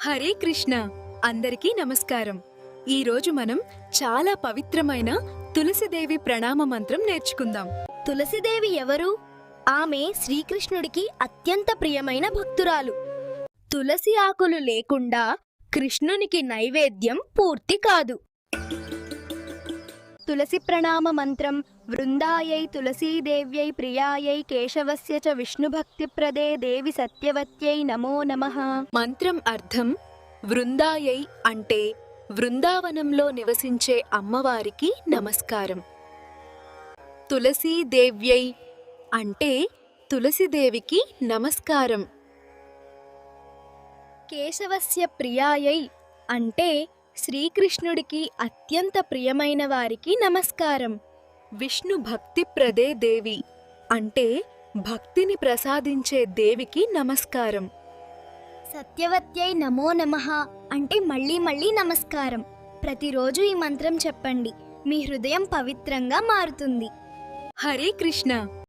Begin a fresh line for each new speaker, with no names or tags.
హరే కృష్ణ. అందరికీ నమస్కారం. ఈరోజు మనం చాలా పవిత్రమైన తులసిదేవి ప్రణామ మంత్రం నేర్చుకుందాం.
తులసిదేవి ఎవరు? ఆమె శ్రీకృష్ణుడికి అత్యంత ప్రియమైన భక్తురాలు. తులసి ఆకులు లేకుండా కృష్ణునికి నైవేద్యం పూర్తి కాదు. తులసి ప్రణామ మంత్రం: వృందాయై తులసీదేవ్యై ప్రియాయై కేశవస్య చ విష్ణుభక్తిప్రదే దేవి సత్యవత్యై నమో నమః.
మంత్రం అర్థం: వృందాయై అంటే వృందావనంలో నివసించే అమ్మవారికి నమస్కారం. తులసీదేవ్యై అంటే తులసిదేవికి నమస్కారం.
కేశవస్య ప్రియాయై అంటే శ్రీకృష్ణుడికి అత్యంత ప్రియమైన వారికి నమస్కారం.
విష్ణు భక్తిప్రదే దేవి అంటే భక్తిని ప్రసాదించే దేవికి నమస్కారం.
సత్యవత్యై నమో నమః అంటే మళ్ళీ మళ్ళీ నమస్కారం. ప్రతిరోజు ఈ మంత్రం చెప్పండి. మీ హృదయం పవిత్రంగా మారుతుంది.
హరే కృష్ణ.